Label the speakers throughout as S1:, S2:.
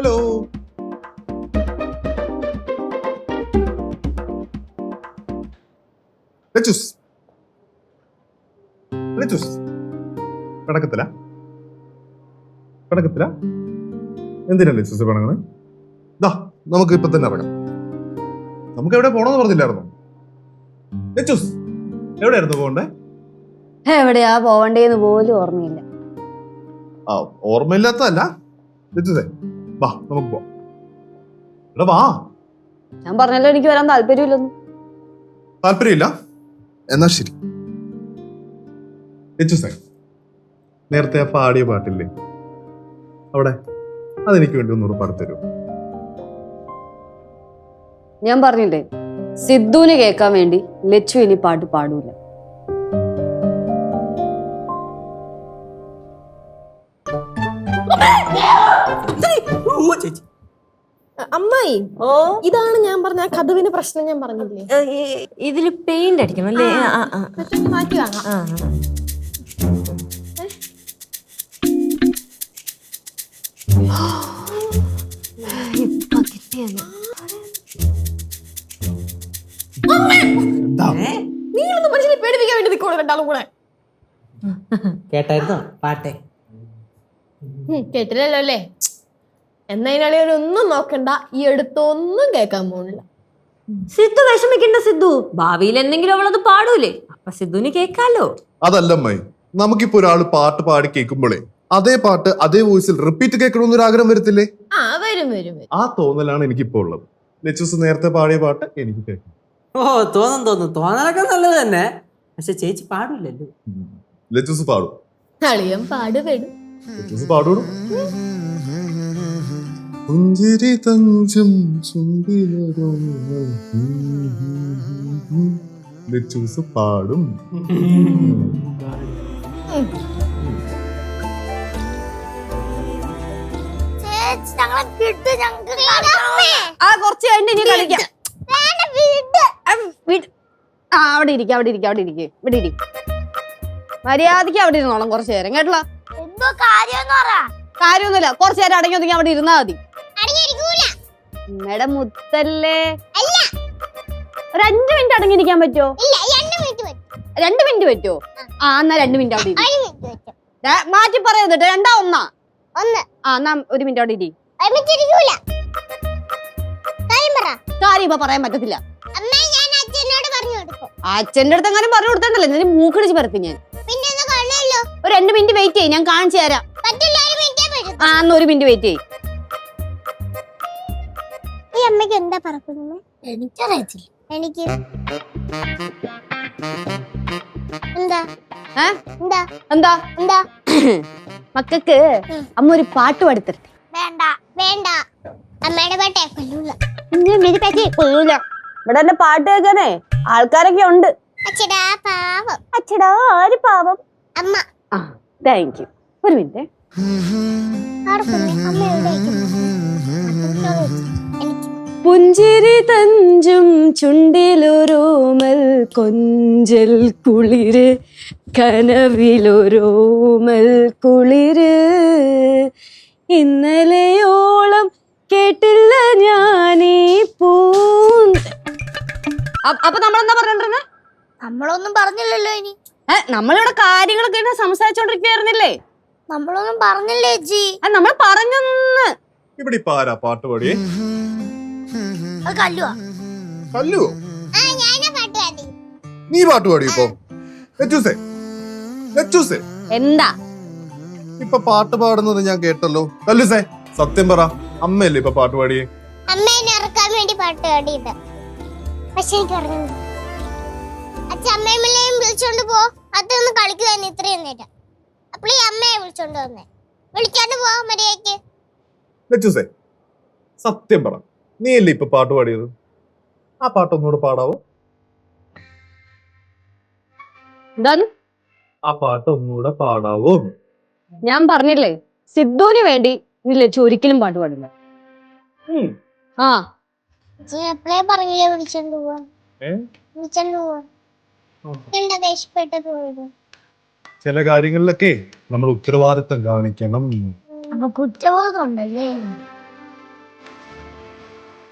S1: Hello. പടക്കത്തില എന്തിനാ ലെച്ചൂസ് പണങ്ങണ്? നമുക്ക് ഇപ്പൊ തന്നെ ഇറങ്ങാം. നമുക്ക് എവിടെ പോണെന്ന് പറഞ്ഞില്ലായിരുന്നോ? ലെച്ചൂസ് എവിടെയായിരുന്നു പോകണ്ടേ?
S2: എവിടെയാ പോവണ്ടേന്ന് പോലും ഓർമ്മയില്ല.
S1: ഓർമ്മയില്ലാത്തതല്ല ലെച്ചൂസേ, വാ നമുക്ക് പോവാം. എടാ വാ.
S2: ഞാൻ പറഞ്ഞല്ലോ എനിക്ക് വരാൻ താല്പര്യമില്ലെന്ന്.
S1: താല്പര്യമില്ല? എന്നാ ശരി. ലെച്ചൂസേ, നേരത്തെ ആ പാടിയ പാട്ടില്ലേ അവിടെ, അതെനിക്ക് വേണ്ടി ഒന്നുകൂടെ പാടിത്തരൂ.
S2: ഞാൻ പറഞ്ഞില്ലേ, സിദ്ധുവിന് കേൾക്കാൻ വേണ്ടി ലച്ചു ഇനി പാട്ട് പാടൂല.
S3: അമ്മായി, ഇതാണ് ഞാൻ പറഞ്ഞ കഥവിന് പ്രശ്നം. ഞാൻ പറഞ്ഞില്ലേ
S4: ഇതില് പെയിന്റ് അടിക്കണം അല്ലേ?
S3: മാറ്റി വാങ്ങാം. നീങ്ങളൊന്നും മനുഷ്യനെ പേടിപ്പിക്കാൻ വേണ്ടി നിൽക്കണോ രണ്ടാളും കൂടെ?
S5: കേട്ടായിരുന്നോ പാട്ടെ?
S3: കേട്ടില്ലല്ലോ അല്ലേ? എന്നതിനാളി ഒന്നും നോക്കണ്ട, ഈ അടുത്തൊന്നും കേൾക്കാൻ പോണില്ല.
S4: സിദ്ധു വിഷമിക്കണ്ട. സിദ്ധു ഭാവിയിൽ എന്തെങ്കിലും അവളത് പാടൂലേ, അപ്പൊ സിദ്ധുവിന് കേൾക്കാലോ.
S1: അതല്ലമ്മായി, നമുക്കിപ്പോ ഒരാള് പാട്ട് പാടി കേൾക്കുമ്പോഴേ അതേ പാട്ട് അതേ വോയിസിൽ റിപ്പീറ്റ് കേൾക്കണമെന്നൊരു ആഗ്രഹം വരത്തില്ലേ?
S3: വരും.
S1: ആ തോന്നലാണ് എനിക്കിപ്പോ ഉള്ളത്. ലെച്ചൂസ് നേരത്തെ പാടിയ പാട്ട് എനിക്ക് കേൾക്കണം.
S5: തോന്നലൊക്കെ നല്ലത് തന്നെ, പക്ഷെ ചേച്ചി പാടില്ലല്ലോ.
S1: ലെച്ചൂസ് പാടും.
S3: അളിയൻ പാടുപെടും.
S1: ലെച്ചൂസ് പാടൂടും. പുഞ്ചിരി തഞ്ചും ലെച്ചൂസ് പാടും.
S2: കുറച്ച് കഴിഞ്ഞ് ഇനി കളിക്കാം. അവിടെ ഇരിക്കും. മര്യാദക്ക് അവിടെ ഇരുന്നോളാം കുറച്ചു നേരം, കേട്ടല്ലോ? കാര്യമൊന്നുമില്ല, കുറച്ചു നേരം അടങ്ങി ഒതുങ്ങി അവിടെ ഇരുന്നാ മതി. അമ്മയുടെ മുത്തല്ലേ. ഒരു 5 മിനിറ്റ് അടങ്ങിയിരിക്കാൻ പറ്റുമോ? 2 മിനിറ്റ് പറ്റുമോ? എന്നാ 2 മിനിറ്റ് അവിടെ മാറ്റി പറയുന്നത്. 2 1 എന്നാ 1 മിനിറ്റ് അവിടെ ഇരി. കാര്യം ഇപ്പൊ പറയാൻ പറ്റത്തില്ല. അച്ഛന്റെ അടുത്ത് എങ്ങനെ പറഞ്ഞു കൊടുത്തല്ലേ, ഞാൻ മൂക്കടിച്ച് പരത്തി. ഞാൻ ഒരു 2 മിനിറ്റ് വെയിറ്റ് ചെയ്യും, ഞാൻ കാണിച്ചു തരാം. എന്നാ 1 മിനിറ്റ് വെയിറ്റ് ചെയ്യും.
S6: ഈ അമ്മയ്ക്ക് എന്താ പറക്കുന്നത്? എനിക്കറിയത്തില്ല. എനിക്ക്
S2: എന്താ മക്കൾക്ക് അമ്മ ഒരു പാട്ട് പാടിത്തരട്ടെ?
S6: വേണ്ട, അമ്മയുടെ പാട്ടേ കൊല്ലൂല.
S2: ഇവിടെ എന്നെ പാട്ട് കേൾക്കാനേ ആൾക്കാരൊക്കെ ഉണ്ട്.
S6: അച്ഛടാ പാവം.
S2: അച്ഛടാ ആര് പാവം?
S6: അമ്മ.
S2: Thank you. 1 മിനിറ്റ്. പുഞ്ചിരി തഞ്ചും ചുണ്ടിലൊരോമൽ കൊഞ്ചൽ കുളിര്, കനവിലൊരോമൽ കുളിര്, ഇന്നലെയോളം കേട്ടില്ല ഞാനീ അപ്പൊ നമ്മളെന്താ പറഞ്ഞോണ്ടിരുന്നെ?
S6: നമ്മളൊന്നും പറഞ്ഞില്ലല്ലോ. ഇനി
S2: നമ്മളിവിടെ കാര്യങ്ങളൊക്കെ സംസാരിച്ചോണ്ടിരിക്കുവായിരുന്നില്ലേ?
S6: നമ്മളൊന്നും പറഞ്ഞില്ലേ ചേച്ചി?
S2: നമ്മൾ പറഞ്ഞൊന്ന്.
S1: ഇവിടെ ഇപ്പൊ ആരാ പാട്ട് പാടിയേ? കല്ലുവോ? നീ പാട്ട് പാടി ഇപ്പൊ? ലെച്ചൂസേ
S2: എന്താ
S1: ഇപ്പൊ പാട്ട് പാടുന്നത് ഞാൻ കേട്ടല്ലോ. കല്ലുസേ സത്യം പറ, അമ്മയല്ലേ ഇപ്പൊ പാട്ട് പാടിയേ?
S6: അമ്മേനെ ഇറക്കാൻ വേണ്ടി പാട്ട് പാടിയത്. പക്ഷെ എനിക്ക് അറിഞ്ഞു അച്ഛമ്മയും വിളിച്ചോണ്ട് പോ, അതൊന്ന് കളിക്കുവായിരുന്നു ഇത്രയും നേരം. അപ്പോൾ ഈ അമ്മയെ വിളിച്ചോണ്ട് വന്നേ. വിളിച്ചോണ്ട് പോ മര്യാദയ്ക്ക്.
S1: ലെച്ചൂസേ സത്യം പറ, നീ അല്ലേ ഇപ്പൊ പാട്ട് പാടിയത്? ആ പാട്ട് ഒന്നുകൂടെ പാടാവോ?
S2: എന്താണ്
S1: ആ പാട്ട് ഒന്നുകൂടെ പാടാവോ?
S2: ഞാൻ പറഞ്ഞില്ലേ, സിദ്ധുവിന് വേണ്ടി നീ ലച്ചു ഒരിക്കലും പാട്ട് പാടില്ല.
S6: എപ്പോഴേ പറഞ്ഞില്ലേ വിളിച്ചോണ്ട് പോവാ. എന്താ ദേഷ്യപ്പെട്ടത് പോയത്?
S1: ചില കാര്യങ്ങളിലൊക്കെ നമ്മൾ ഉത്തരവാദിത്തം കാണിക്കണം.
S6: അപ്പൊ കുറ്റബോധം ഉണ്ടല്ലേ?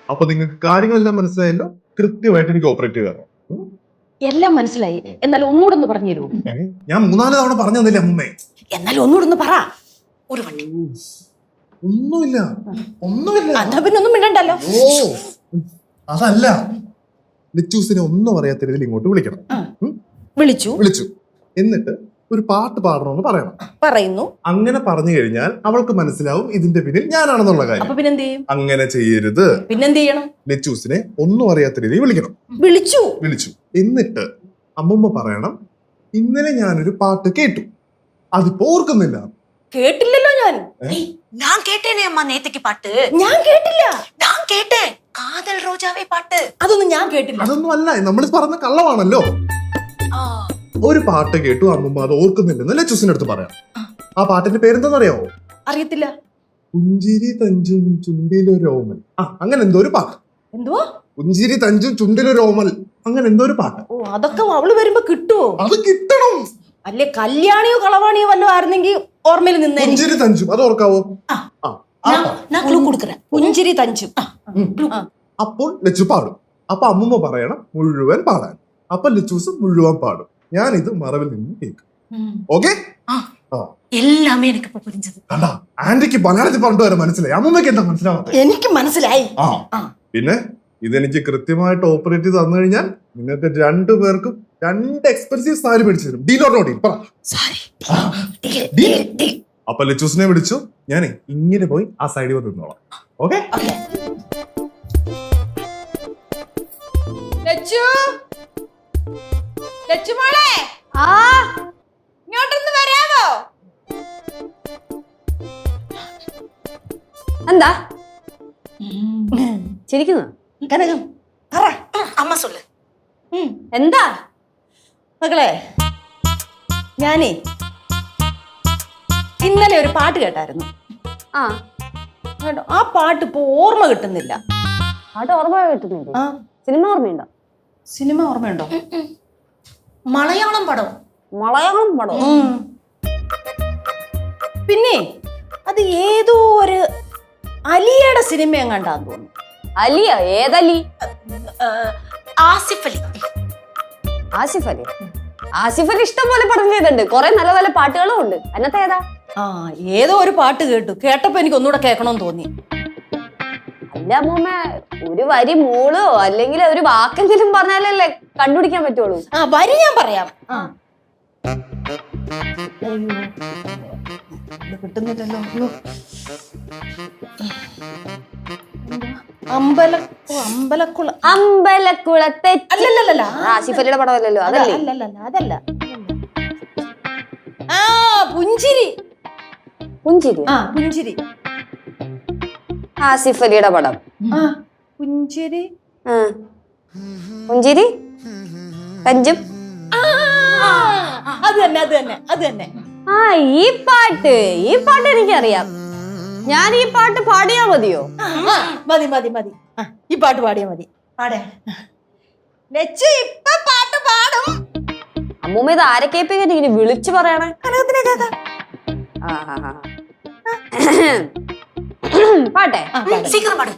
S1: അപ്പൊ നിങ്ങൾക്ക് കാര്യങ്ങളെല്ലാം മനസ്സിലായല്ലോ. കൃത്യമായിട്ട് എനിക്ക് ഓപ്പറേറ്റ് ചെയ്യാറ്.
S7: എല്ലാം മനസ്സിലായി. എന്നാൽ ഒന്നുകൂടെ ഒന്ന് പറഞ്ഞു തരൂ.
S1: ഞാൻ 3-4 തവണ പറഞ്ഞു തന്നില്ലേ അമ്മേ?
S7: എന്നാൽ ഒന്നുകൂടെ ഒന്ന് പറ. ഒരു വണ്ടി.
S1: ഒന്നുമില്ല.
S7: എന്നാ പിന്നെ ഒന്നും മിണ്ടണ്ടല്ലോ.
S1: ഓ അതല്ല, ലിച്ചൂസിനെ ഒന്നും അറിയാത്ത രീതിയിൽ ഇങ്ങോട്ട് വിളിക്കണം.
S7: വിളിച്ചു.
S1: എന്നിട്ട് ഒരു പാട്ട് പാടണമെന്ന് പറയണം.
S7: പറയുന്നു.
S1: അങ്ങനെ പറഞ്ഞു കഴിഞ്ഞാൽ അവൾക്ക് മനസ്സിലാവും ഇതിന്റെ പിന്നിൽ ഞാനാണെന്നുള്ള കാര്യം.
S7: അപ്പൊ പിന്നെന്ത് ചെയ്യും?
S1: അങ്ങനെ ചെയ്യരുത്.
S7: പിന്നെന്ത് ചെയ്യണം?
S1: ലിച്ചൂസിനെ ഒന്നും അറിയാത്ത രീതിയിൽ വിളിക്കണം. വിളിച്ചു. എന്നിട്ട് അമ്മമ്മ പറയണം, ഇന്നലെ ഞാനൊരു പാട്ട് കേട്ടു, അതിപ്പോ ഓർക്കുന്നില്ല.
S7: കേട്ടില്ലല്ലോ ഞാൻ.
S8: நான் கேட்டேனே அம்மா நேத்துக்கு பாட்டு.
S7: ഞാൻ കേട്ടില്ല.
S8: நான் கேட்டேன் காதல் ரோஜாவே பாட்டு.
S7: അതൊന്നും ഞാൻ കേട്ടില്ല.
S1: അതൊന്നും അല്ല, നമ്മൾ പറഞ്ഞ കള്ളമാണല്ലോ. ഒരു പാട്ട് കേട്ടു, അമ്മമ്മ അത് ഓർക്കുന്നില്ലെന്ന് ലച്ചൂസിന്റെ അടുത്ത് പറയാം. ആ പാട്ടിന്റെ പേരെന്താണെന്നറിയാവോ?
S7: അറിയത്തില്ല.
S1: പുഞ്ചിരി തഞ്ചും ചുണ്ടിലൊരോമൽ. അങ്ങനെ എന്തോ ഒരു പാട്ട്.
S7: എന്തുവാ?
S1: പുഞ്ചിരി തഞ്ചും ചുണ്ടിലൊരോമൽ, അങ്ങനെ എന്തോ ഒരു പാട്ട്.
S7: ഓ, അതൊക്കെ അവള് വരുമ്പോ കിട്ടുവോ?
S1: അത് കിട്ടണം.
S7: അല്ലെ കല്യാണിയോ കളവാണിയോ വല്ലതും ആയിരുന്നെങ്കിൽ ഓർമ്മയിൽ നിന്നേ.
S1: പുഞ്ചിരി തഞ്ചും അത് ഓർക്കാവോ?
S8: நான் க்ளூ கொடுக்கறேன்.
S7: പുഞ്ചിരി തഞ്ചും.
S1: അപ്പോൾ ലച്ചു പാടും. അപ്പൊ അമ്മമ്മ പറയണം മുഴുവൻ പാടാൻ. അപ്പൊ ലച്ചൂസ് മുഴുവൻ പാടും. ഞാൻ ഇത് മറവിൽ നിന്ന് കേൾക്കും. ഓക്കെ?
S8: எல்லாமே எனக்கு இப்ப புரிஞ்சது.
S1: കണ്ടാ, ആന്റിക്ക് മലയാളത്തിൽ പറഞ്ഞിട്ട് വരെ മനസ്സിലായി, അമ്മമ്മക്ക് എന്താ മനസ്സിലാവാതെ?
S7: എനിക്ക് മനസ്സിലായി.
S1: പിന്നെ ഇതെനിക്ക് കൃത്യമായിട്ട് ഓപ്പറേറ്റ് ചെയ്ത് തന്നു കഴിഞ്ഞാൽ നിങ്ങൾക്ക് 2 പേർക്കും 2 എക്സ്പെൻസീവ് സാരി മേടിച്ചു തരും. Deal or no deal? പറ. അപ്പൊ ലച്ചൂസിനെ വിളിച്ചു, ഞാനേ ഇങ്ങനെ പോയി ആ സൈഡിൽ വന്ന് നിന്നോളാം. ഓക്കെ?
S3: ലച്ചുമോളെ ഇങ്ങോട്ടൊന്ന് വരാമോ?
S2: എന്താ ചിരിക്കുന്നു?
S7: കനകം പറ.
S8: அம்மா சொல்லு.
S2: എന്താ
S7: മകളെ, ഞാനേ ഇന്നലെ ഒരു പാട്ട് കേട്ടായിരുന്നു. കേട്ടോ, ആ പാട്ട് ഇപ്പൊ ഓർമ്മ കിട്ടുന്നില്ല.
S2: പാട്ട് ഓർമ്മ കിട്ടുന്നില്ല. സിനിമ ഓർമ്മയുണ്ടോ?
S7: സിനിമ ഓർമ്മയുണ്ടോ?
S8: மலையாளம் படம்.
S2: മലയാളം പടം.
S7: പിന്നെ അത് ഏതോ ഒരു അലിയുടെ സിനിമ എങ്ങാണ്ടാന്ന് തോന്നുന്നു.
S2: അലിയ? ഏതലി?
S8: ஆசிஃப் அலி.
S2: ആസിഫ് അലി. ആസിഫ് അലി ഇഷ്ടം പോലെ പടം ചെയ്തിട്ടുണ്ട്, കുറെ നല്ല നല്ല പാട്ടുകളും ഉണ്ട്. അതിനകത്ത് ഏതാ?
S7: ഏതോ ഒരു പാട്ട് കേട്ടപ്പോ എനിക്ക് ഒന്നുകൂടെ കേൾക്കണമെന്ന് തോന്നി.
S2: അല്ല അമ്മൂമ്മ, ഒരു വരി മൂളോ അല്ലെങ്കിൽ ഒരു വാക്കെങ്കിലും പറഞ്ഞാലല്ലേ കണ്ടുപിടിക്കാൻ പറ്റുള്ളൂ.
S7: വരി ഞാൻ പറയാം. കിട്ടുന്നില്ലല്ലോ.
S2: അമ്പലക്കുളത്തെ
S7: അല്ലല്ല,
S2: ആസിഫ് അലിയുടെ പടമല്ലല്ലോ. അതല്ലേ?
S7: അതല്ല. പുഞ്ചിരി. പുഞ്ചിരി.
S2: ആസിഫ് അലിയുടെ പടം.
S7: പുഞ്ചിരി.
S2: പുഞ്ചിരി തഞ്ചും.
S7: അത് തന്നെ.
S2: ഈ പാട്ട് എനിക്കറിയാം. ഞാൻ ഈ പാട്ട് പാടിയാ മതിയോ?
S7: മതി. ഈ പാട്ട് പാടിയാ മതി. ഇപ്പൊ പാട്ട് പാടും.
S2: അമ്മൂമ്മ ഇത് ആരെ കേൾപ്പിക്കാൻ ഇങ്ങനെ വിളിച്ചു പറയണേ? പാട്ടെ
S8: சீக்கிரம் பாடு.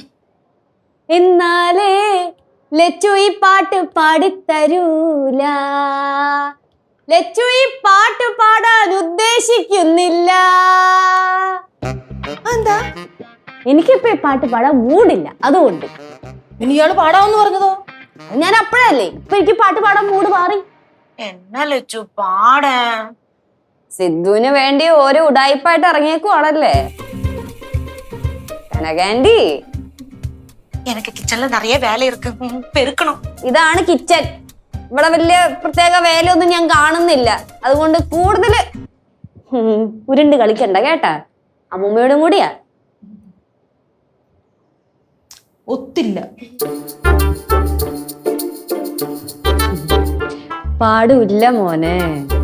S2: എന്നാലേ ലച്ചു ഈ പാട്ട് പാടിത്തരൂല. ലച്ചു ഈ പാട്ട് പാടാൻ ഉദ്ദേശിക്കുന്നില്ല.
S7: എന്താ?
S2: എനിക്കിപ്പോ ഈ പാട്ട് പാടാൻ മൂടില്ല, അതുകൊണ്ട്.
S7: ഇനി ഇയാള് പാടാമെന്ന് പറഞ്ഞതോ?
S2: ഞാൻ അപ്പഴല്ലേ, ഇപ്പൊ എനിക്ക് പാട്ട് പാടാൻ മൂട് മാറി.
S8: என்ன லட்சு பாட.
S2: സിദ്ധുവിന് വേണ്ടി ഓരോ ഉടായിപ്പായിട്ട് ഇറങ്ങിയേക്കുവാണല്ലേ കനകാൻഡി.
S8: எனக்கு கிச்சன்ல நிறைய வேலை இருக்கு, பெருக்கணும்.
S2: ഇതാണ് കിച്ചൺ. ഇവിടെ വലിയ പ്രത്യേക വേലയൊന്നും ഞാൻ കാണുന്നില്ല, അതുകൊണ്ട് കൂടുതല് ഉരുണ്ട് കളിക്കണ്ട കേട്ടാ. അമ്മൂമ്മയോടും കൂടിയാ.
S7: ഒത്തില്ല.
S2: പാടില്ല മോനെ.